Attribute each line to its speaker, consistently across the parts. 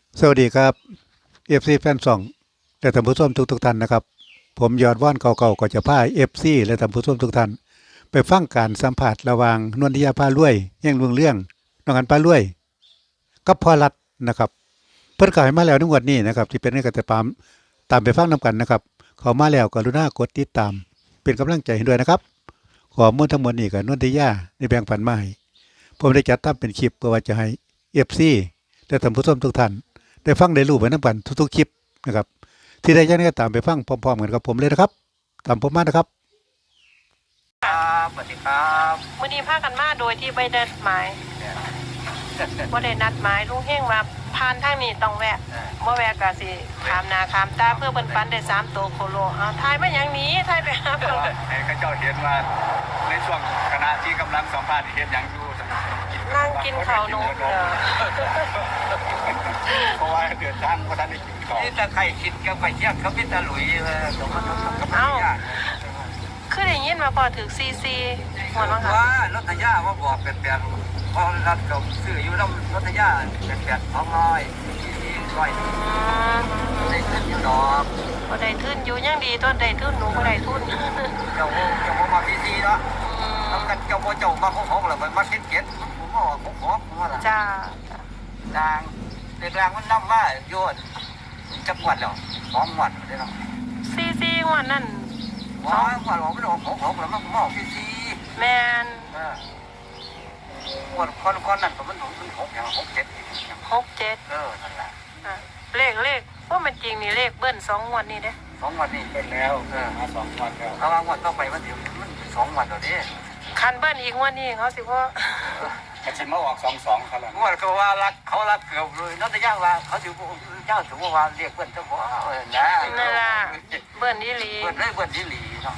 Speaker 1: สวัสดีครับเอฟซีแฟนซองและท่านผู้ชมทุกท่านนะครับผมยอดว่านเก่าๆก็จะพาเอฟซีและท่านผู้ชมทุกท่านไปฟังการสัมผัสระหว่างนวลธิยาพารวยแย่งเรื่องน้องอันพารวยกับพ่อรัฐนะครับเพิ่นขายมาแล้วในงวดนี้นะครับที่เป็นให้กันแต่ตามไปฟังนํกันนะครับเขามาแล้วกรุณากดติดตามเป็นกำลังใจให้ด้วยนะครับข้อมูลทั้งหมดนี้ก็นวลธิยาได้แบ่งปันมาให้ผมได้จัดทำเป็นคลิปเพื่อว่าจะให้เอฟซีและท่านผู้ชมทุกท่านได้ฟังได้รู้ไปนํกันทุกๆคลิปนะครับที่ได้ยังไงก็ตามไปฟังพร้อมๆกันกับผมเลยนะครับตามผมมานะครับ
Speaker 2: ครับสวัสดีครับ
Speaker 3: มื้อนี้พากันมาโดยที่ไม่ได้นัดหมายบ่ได้นัดหมายลุงเฮงว่าผ่านทางนี้ต้องแวะบ่แวะก็สิขามหน้าขามตาเพื่อเพิ่นปันได้3ตัวโคโลเอาทายมาหยังหนี้ทายไปหาเพิ่น
Speaker 2: ให้ข้าเจ้าเห็นว่าในช่วงขณะที่กำลังสัมภาษณ์เห็นอย่างอยู่
Speaker 3: นั่งกินข้าวหนู
Speaker 2: เพราะว่าเดือดร้อนเพราะท่านได้กินข้าวนี่ตะไคร้คิดกับไข่เจียวเขาเป็นตะหลุยสมมติ
Speaker 3: คือได้ยินมาพอถึงซีซีหมดมั้งคะ
Speaker 2: ว่ารถทยาว่าบอกเป็นแปดพอรัดกับซื้ออยู่น้ำรถทยาเป็น200ได้ขึ้นอยู่ดอก
Speaker 3: บ่ได้ทุนอยู่ยังดีต้นได้ทุนหนูบ่ได้ทุน
Speaker 2: เจ้ามาพีซีเนาะทำกันเจ้ามาของแล้วมันมาเก็ตผมว่าของว่าล่ะ
Speaker 3: จ้า
Speaker 2: ทางเด็กแรงมันนำว่าโยนจังหวัดแล้ว2 วันได้เนาะ
Speaker 3: ซีงวดนั้น
Speaker 2: ว่าวันเราไม่ได้ของแล้วมันมองพีซี
Speaker 3: แม่น
Speaker 2: วันคนนั้นก็มัน6อย่าง
Speaker 3: 67
Speaker 2: นั่นแหละ
Speaker 3: เลขเพราะมันจริงนี่เลขเบิ้ล2งวดนี่เด้
Speaker 2: 2 วันนี่เป็นแล้วมา2 วันแล้วถ้าว่างวดต่อไปมัน2 วันแล้วเด้
Speaker 3: คันเบิ้ลอีกงวดนี้เขาสิว่า
Speaker 2: มันจะมาออก22ครับงวดก็ว่าเขารักเกือบเลยนอกจากย่างว่าเขาถือเจ้าถือว่าเรียกเบิ้ลเจ้าบ่นะ
Speaker 3: นั่นล่ะเบิ้ลอีหลี
Speaker 2: เบิ้ลอีหลีเนาะ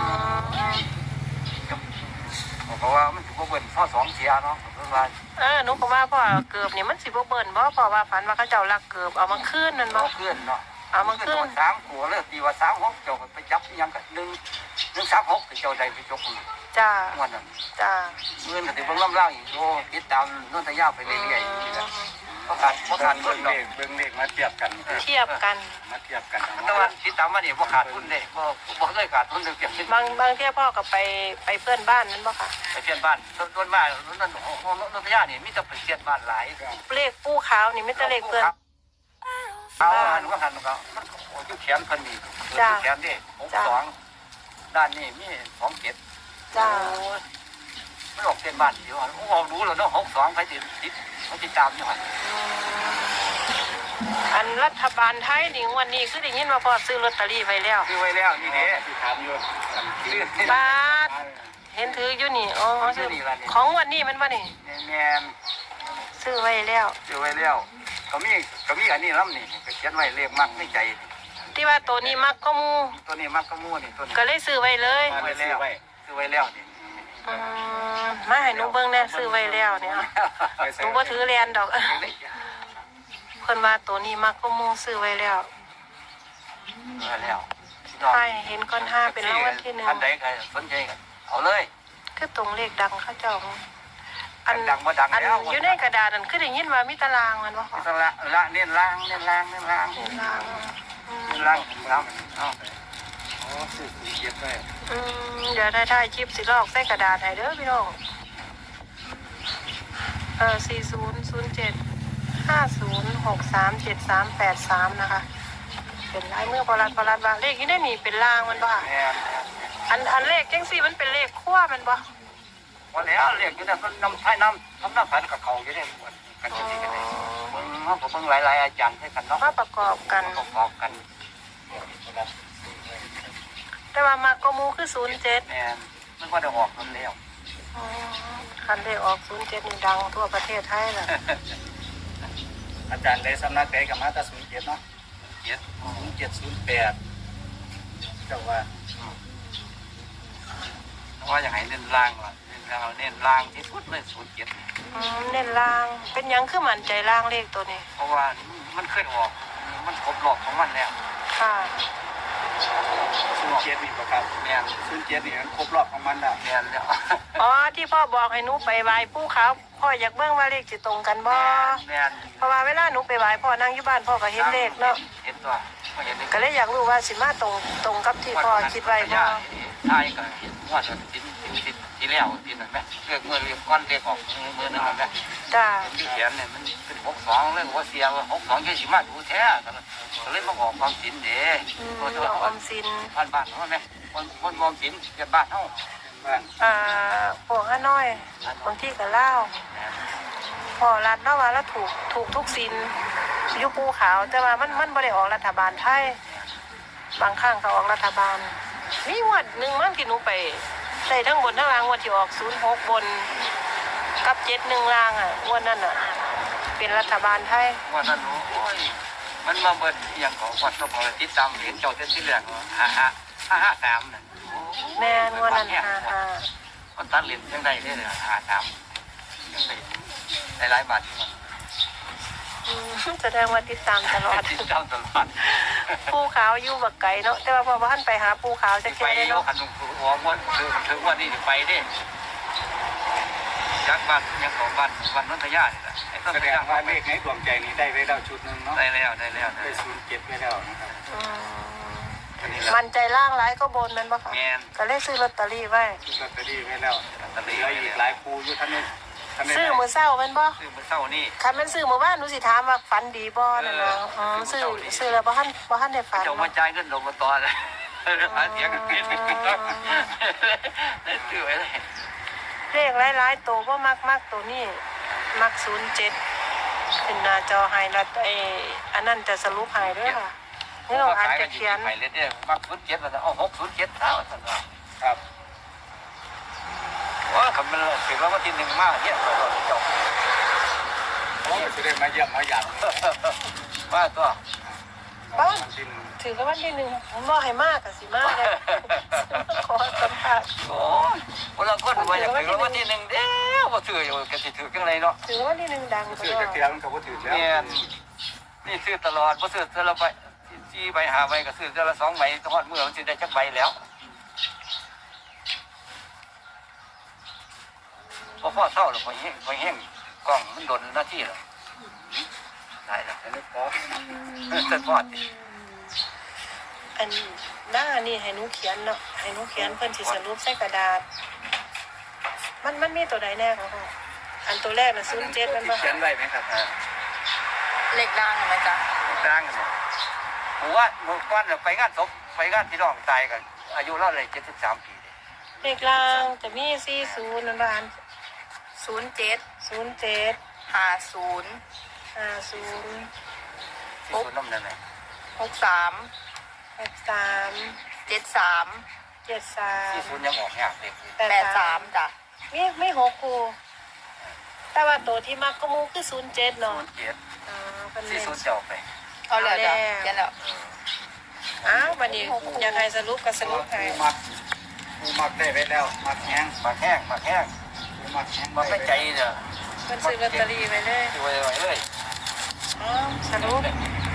Speaker 2: เพราะว่ามันถือว่าเบิ้ลข้อ2เสียเนาะ
Speaker 3: หนูก็ว่าพ่อเกือบนี่มันสิบ่เบิ้ลบ่พ่อว่าฝันว่าเขาเจ้ารักเกือบเอามาคืนนั่นบ่
Speaker 2: คืนเนาะ
Speaker 3: เอามาคืน
Speaker 2: 3ขัวเลยตีว่า36เจ้าไปจับยังกัน136เจ้าใดไปจก
Speaker 3: จ้า
Speaker 2: วันนั้น
Speaker 3: จ้า
Speaker 2: เงินก็สิเบิ่งล่างอีกโอ้ติดตามนนทยาไปเรื่อยๆนี่แหละเพราะขาดทุนเบิ่งเลขมาเทียบกัน
Speaker 3: มาเทียบกัน
Speaker 2: แต่ว่าติดตามมานี่บ่ขาดทุนเด้บ่เคยขาดทุนเลย
Speaker 3: บางเที่ยพ่อก็ไปเพื่อนบ้านนั้นบ่ค่ะ
Speaker 2: ไปเพื่อนบ้านต้นบ้านนั่นนนทยานี่มีแต่ไปเพื่อนบ้านหลาย
Speaker 3: เลขปูขาวนี่มีแต่เลขเพื่อน
Speaker 2: เอาหันก็มันอยู่แขนเพิ่นนี่แขนนี่62ด้านนี้มี27
Speaker 3: จ้า
Speaker 2: มันออกเส้นบ้านอยู่ออกรู้แล้วเนาะ62ไปติดมันติดตามอยู่หั่น
Speaker 3: อันรัฐบาลไทยนี่วันนี้คือได้ยินว่าพอซื้อลอตเตอรี่ไว้แล้ว
Speaker 2: นี่เด้ที่ถามอยู่
Speaker 3: บาทเห็นถืออยู่นี่อ๋อของวันนี้มันบ่นี่
Speaker 2: แม่น
Speaker 3: ซื้อไว้แล้ว
Speaker 2: ก็มีอันนี้ลำนี่ก็เขียนไว้เลขมักในใจ
Speaker 3: ที่ว่าตัวนี้มักก็มู
Speaker 2: นี่ตัวนี้
Speaker 3: ก็เลยซื้อไว้เลย
Speaker 2: ซื้อไว้แล้วนี่
Speaker 3: มาให้หนูเบิ่งแน่ซื้อไว้แล้วเนี่ยหนูบ่ถือแลนดอกเพิ่นว่าตัวนี้มักก็มูซื้อไว้แล้วใช่เห็นก้อน5เป็นรางวัลที่1
Speaker 2: อันใดใครสนใจกันเอาเลย
Speaker 3: คือตรงเลขดังเขาเจ้า
Speaker 2: อันดังบ่ดังแล้ว
Speaker 3: อยู่ในกระดาษนั่นคือได้ยินว่ามีตารางมันบ่
Speaker 2: มีตารางเน้นล่างเอาอ๋อซื้อเก็บไว้
Speaker 3: เดี๋ยวได้คลิปสิลอกใส่กระดาษให้เด้อพี่น้อง400750637383นะคะเป็นลายมือพลัดว่าเลขนี้ได้มีเป็นล่างมันบ่ค่ะอันเลขจังซี่มันเป็นเลขคั่วมันบ่
Speaker 2: วันแล้วเลขอยู่นั่นมันน้ำฝันกับเขาอยู่เนี่ยกันจังซี่กันได้เบิ่งหลายอาจารย์ให้กันเนาะ
Speaker 3: มาประกอบกันแต่ว่ามาก็มูคือ07
Speaker 2: แม่นมันก็ได้ออกมันแล้ว
Speaker 3: คันได้ออก07นี่ดังทั่วประเทศไทยล่ะ
Speaker 2: อาจารย์ได้สำนักใดก็มาแต่07เนาะ0708เจ้าว่าอย่างไรเน้นล่างล่ะเน้นล่างที่สุดเลย07
Speaker 3: เน้นล่างเป็นยังคือมั่นใจล่างเลขตัวนี้
Speaker 2: เพราะว่ามันเคยออกมันครบรอบของมันแล้ว
Speaker 3: ค่ะ
Speaker 2: 07นี่บ่ครับแม่น07นี่มันครบรอบของมันแล้วแม่นแล้ว
Speaker 3: อ๋อที่พ่อบอกให้หนูไปไหว้ปู่ขาวพ่ออยากเบิ่งว่าเลขสิตรงกันบ่
Speaker 2: แม่น
Speaker 3: เพราะว่าเวลาหนูไปไหว้พ่อนั่งอยู่บ้านพ่อก็เห็นเลขเนาะ
Speaker 2: เห็นตัวบ่เห็นเลข
Speaker 3: ก็เลยอยากรู้ว่าสิมาตรงกับที่พ่อคิดไว้บ่
Speaker 2: ทายก็เห็นว่าจะสิที่แล้วที่นั่นแม่เลือกมือเรียกก้อนเรียกออกมือนึงแม่
Speaker 3: จ้า
Speaker 2: ที่เขียนเนี่ยมันเป็น62เลยว่าเสียว่า62ยี่สิบมาดูแท้ก็เลยมาออกความสินเด้ก็จะ
Speaker 3: น้องออมสิน
Speaker 2: บ้านเฮาแม่คนมองสินเกิดบ้านเฮาบ้าน
Speaker 3: พวกฮานอยบางที่ก็ลาวพ่อรัดเนาะว่าแล้วถูกทุกสินอยู่ภูขาวแต่ว่ามันบ่ได้ออกรัฐบาลไทยบางครั้งก็ออกรัฐบาลมีงวดหนึงมันที่หนูไปได้ทั้งบนทั้งล่างงวดที่ออก06บนกับ71ล่างงวดนั้นเป็นรัฐบาลไทย
Speaker 2: ว่านั้นโอ้ยมันมาเบิดอย่างของวัดก็พอติดตามเห็นเจ้าเต้นที่แรก553น่ะ
Speaker 3: แม่นงวดนั้น
Speaker 2: มันตัดเหรียญจังได๋ได้53จังได๋หลายบาทที่มัน
Speaker 3: แสดงว่าติดตามตลอด
Speaker 2: ติดตามตลอด
Speaker 3: ภูขาวอยู่บักไก่เนาะแต่ว่าพอท่านไปหาภูขาวจะ
Speaker 2: ไป
Speaker 3: เจอได้
Speaker 2: เนาะ
Speaker 3: เนาะ
Speaker 2: คันหัวม้วนถึงวันนี้ไปเด้จากบ้านยังของบ้านนนทยานี่แหละแสดงว่าเลขในดวงใจนี้ได้แล้วชุดนึงเนาะได้แล้วได้07ไปแล้วนะครับ
Speaker 3: มันใจล่างร้ายก็บนมันบ่ค่ะ
Speaker 2: แม่น
Speaker 3: ก็เลยซื้อลอตเตอรี่ไว้
Speaker 2: ลอตเตอรี่ไว้แล้วลอตเตอรี่อีกหลายคูอยู่ท่านนี่
Speaker 3: ซื้อมื้อเช้าแม่นบ่
Speaker 2: ซื้อมื้อเช้านี่
Speaker 3: คันมันซื้อมื้อวานหนูสิถามว่าฝันดีบ่นั่นน่ะซื้อแล้วบ่ทันได้ฝัน
Speaker 2: เจ้ามาจ่ายเงินลงมาต่อเลยหาเสียงกันกินซื้อไว้เลย
Speaker 3: เลขหลายๆตัวบ่มักตัวนี้มัก07ขึ้นหน้าจอให้แล้วอันนั้นจะสรุปให้เด้อค่ะนี่เราอ่านจะเขียน
Speaker 2: ไปเลยเนี่ยมัก07แล้วเอา607เอาซั่นว่าครับว่าคำมันถือว่าวันที่1มาเฮียเจ้าโอ้สิได้มาเยี่ยมมาหยาดว่าตัว
Speaker 3: ป้าถือว่าวันที่หนึ่งผมบอกให้มากกับสิมากเลยขอสัมผัส
Speaker 2: โอ้ยคนละคนว่าอยากถือวันที่1เด้อบ่ถืออยู่ก็สิถือจังไดเนาะ
Speaker 3: ถือว่าวันที่หนึ่งดังต
Speaker 2: ซื้อ
Speaker 3: ลอ
Speaker 2: จั
Speaker 3: ด
Speaker 2: กเที่ยมันก็บ่ถือแล้วนี่ซื้อตลอดบ่ซื้อแต่ละใบ4ใบ5ใบก็ซื้อแต่ละ2ใบฮอดมื้อมันสิได้จักใบแล้วพอเศร้าแล้วพอแห้งกล้องมันโดนหน้าที่แล้วได้แล้วนึกพอจะพอด
Speaker 3: อันหน้านี่ให้หนูเขียนเนาะให้หนูเขียนเพิ่นสิสรุปใส่กระดาษมันมีตัวใดแน่ของเขาอันตัวแรกน่ะ07มันบ่
Speaker 2: เขียนไว้ไหมครับ
Speaker 3: เลขล่างไหมจ๊ะ
Speaker 2: ร่างเนี่ยผมว่าเมื่อก่อนไปงานศพไปงานพี่น้องตายกันอายุเราเลย73 ปี
Speaker 3: เลขล่างจะมี40นั่นบ้าน
Speaker 4: 07
Speaker 3: 07
Speaker 4: 50
Speaker 3: 50
Speaker 2: ที่สุดน้ำนั่นแหละ
Speaker 4: 63
Speaker 3: 63
Speaker 4: 73
Speaker 2: ที่สุด
Speaker 3: 73
Speaker 2: ยังออกยากเด็ก
Speaker 4: 83จ้ะ
Speaker 3: ไม่หกครูแต่ว่าตัวที่มักก็มูคือ07เนาะ
Speaker 2: 07ที่สุดจะออกไป
Speaker 4: เอาแล้วจ้ะเขียนแล้ว
Speaker 3: อ้าววันนี้อยากให้สรุปก็สรุปให้
Speaker 2: มักได้ไปแล้วมักแห้งมักแห้งมักไม่ใจเนี่ย
Speaker 3: มันซื้อลอตเตอรี่ไปเลย
Speaker 2: ซื้อไว้เลย
Speaker 3: อ้าวสรุป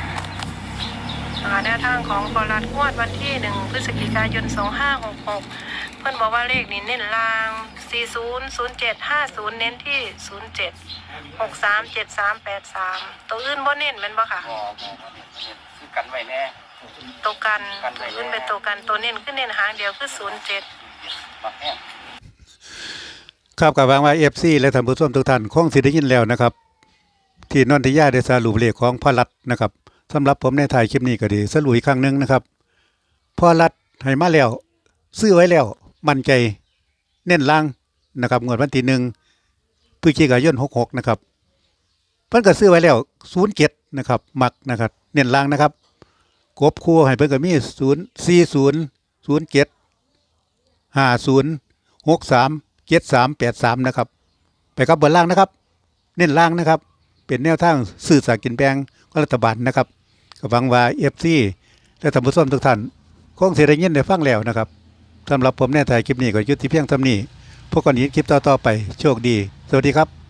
Speaker 3: แนวทางของบรัฐงวดวันที่1พฤศจิกายน2566เพื่อนบอกว่าเลขนี้เน้นลาง40 07 50เน้นที่07 63 73 83ตัวอื่นบ่เน้นแม่นบ่ค่ะ
Speaker 2: คือกันไว้แน่
Speaker 3: ตัวกันตัวอื่นเป็นตัวกันตัวเน้นคือเน้นหางเดียวคือ07
Speaker 2: มักแห้ง
Speaker 1: ครับกับวางว่า FC และท่านผู้ชมทุกท่านคงสิได้ยินแล้วนะครับ ที่นนทิยาได้สรุปเลขของพ่อรัฐนะครับสำหรับผมในถ่ายคลิปนี้ก็ดีสรุปอีกครั้งนึงนะครับพ่อรัฐให้มาแล้วซื้อไว้แล้วมั่นใจเน้นล่างนะครับงวดวันที่1พฤศจิกายน66นะครับเพิ่นก็ซื้อไว้แล้ว07นะครับมักนะครับเน้นล่างนะครับกบคู่ให้เพิ่นก็มี040 07 50 63 7383นะครับไปกับบนล่างนะครับเน้นล่างนะครับเป็นแนวทางสื่อสารกินแบงของรัฐบาลนะครับก็หวังว่า FC และท่านผู้ชมทุกท่านคงสิได้ยินได้ฟังแล้วนะครับสำหรับผมในถ่ายคลิปนี้ก็ยุติเพียงเท่านี้พบกันอีกคลิปต่อๆไปโชคดีสวัสดีครับ